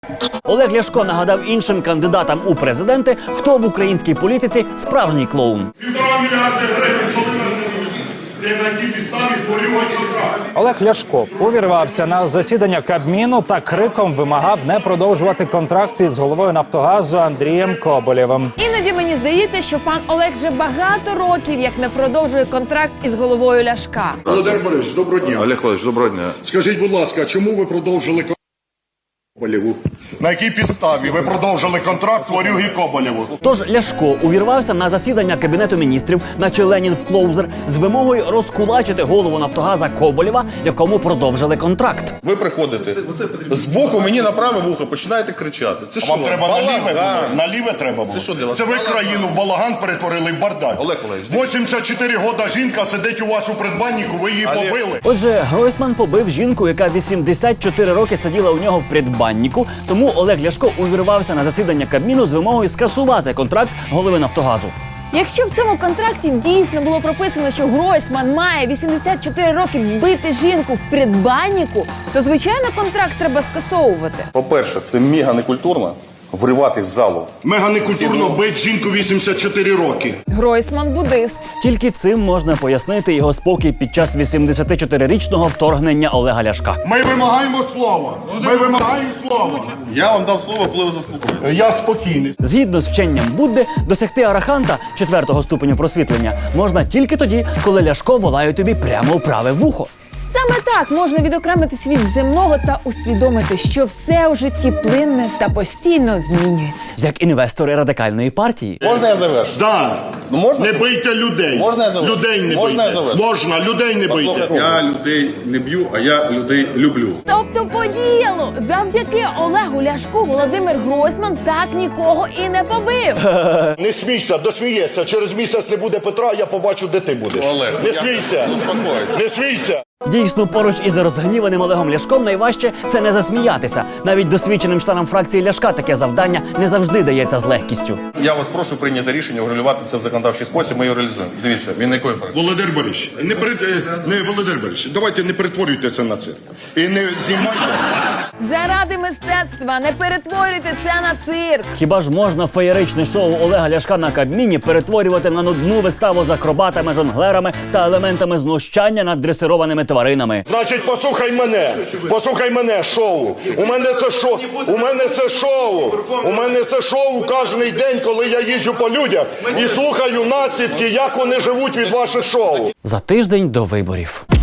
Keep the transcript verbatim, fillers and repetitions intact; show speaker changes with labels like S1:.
S1: Олег Ляшко нагадав іншим кандидатам у президенти, хто в українській політиці справжній клоун.
S2: Півтора мільярди гривень, коли нас не на якій підставі створювати контракт.
S3: Олег Ляшко увірвався на засідання Кабміну та криком вимагав не продовжувати контракт із головою «Нафтогазу» Андрієм Коболєвим.
S4: Іноді мені здається, що пан Олег вже багато років як не продовжує контракт із головою Ляшка.
S2: Володимир Борисович, доброго дня.
S5: Олег Валерійович, доброго дня.
S2: Скажіть, будь ласка, чому ви продовжили контракт Коболєву? На якій підставі ви продовжили контракт Ворюги Коболєву?
S1: Тож Ляшко увірвався на засідання Кабінету міністрів, наче Ленін в клоузер, з вимогою розкулачити голову «Нафтогаза» Коболєва, якому продовжили контракт.
S5: Ви приходите з боку мені на праве вухо, починаєте кричати. Це що?
S2: Вам треба наліве було?
S5: Балаган.
S2: Наліве треба було?
S5: Це що для вас?
S2: Це ви країну в балаган перетворили в бардак.
S5: Олег Валерійович,
S2: вісімдесят чотири года жінка сидить у вас у предбаннику, ви її
S5: Олег.
S2: побили.
S1: Отже, Гройсман побив жінку, яка вісімдесят чотири роки сиділа у нього в предбаннику, тому Олег Ляшко увірвався на засідання Кабміну з вимогою скасувати контракт голови «Нафтогазу».
S4: Якщо в цьому контракті дійсно було прописано, що Гройсман має вісімдесят чотири роки бити жінку в предбаннику, то, звичайно, контракт треба скасовувати.
S5: По-перше, це мега некультурно вриватись з залу.
S2: Мега некультурно бить жінку вісімдесят чотири роки.
S4: Гройсман – буддист.
S1: Тільки цим можна пояснити його спокій під час вісімдесятичотирирічного вторгнення Олега Ляшка.
S2: Ми вимагаємо слова. Ми вимагаємо слова.
S5: Я вам дав слово, коли ви заспокоїли.
S2: Я спокійний.
S1: Згідно з вченням Будди, досягти араханта, четвертого ступеню просвітлення, можна тільки тоді, коли Ляшко волає тобі прямо у праве вухо.
S4: Саме так можна відокремитись від земного та усвідомити, що все у житті плинне та постійно змінюється.
S1: Як інвестори радикальної партії.
S5: Можна я завершу?
S2: Да.
S5: Ну можна?
S2: Не бийте людей.
S5: Можна я завершу?
S2: Людей не
S5: Можна я
S2: бийте.
S5: завершу?
S2: Можна, людей не бийте.
S5: Послухайте.
S6: Я людей не б'ю, а я людей люблю.
S4: Тобто по ділу! Завдяки Олегу Ляшку Володимир Гройсман так нікого і не побив.
S2: Не смійся, досмієшся. Через місяць не буде Петра, я побачу, де ти будеш.
S5: Олег,
S2: не
S5: я-
S2: смійся.
S5: Заспокойся.
S2: Не смійся.
S1: Дійсно, поруч із розгніваним Олегом Ляшком найважче – це не засміятися. Навіть досвідченим членам фракції Ляшка таке завдання не завжди дається з легкістю.
S5: Я вас прошу прийняти рішення, врегулювати це в законодавчий спосіб, ми його реалізуємо. Дивіться, він на якої фракції?
S2: Володимир Борисович, не перед... е, не Володимир Борисович, давайте не перетворюйте це на цирк. І не знімайте.
S4: Заради мистецтва не перетворюйте це на цирк.
S1: Хіба ж можна феєричне шоу Олега Ляшка на Кабміні перетворювати на нудну виставу з акробатами, жонглерами та елементами знущання над дресированими тваринами?
S2: Значить, послухай мене. Послухай мене, шоу. У мене це шоу. У мене це шоу. У мене це шоу кожен день, коли я їжджу по людях і слухаю наслідки, як вони живуть від ваших шоу.
S1: За тиждень до виборів.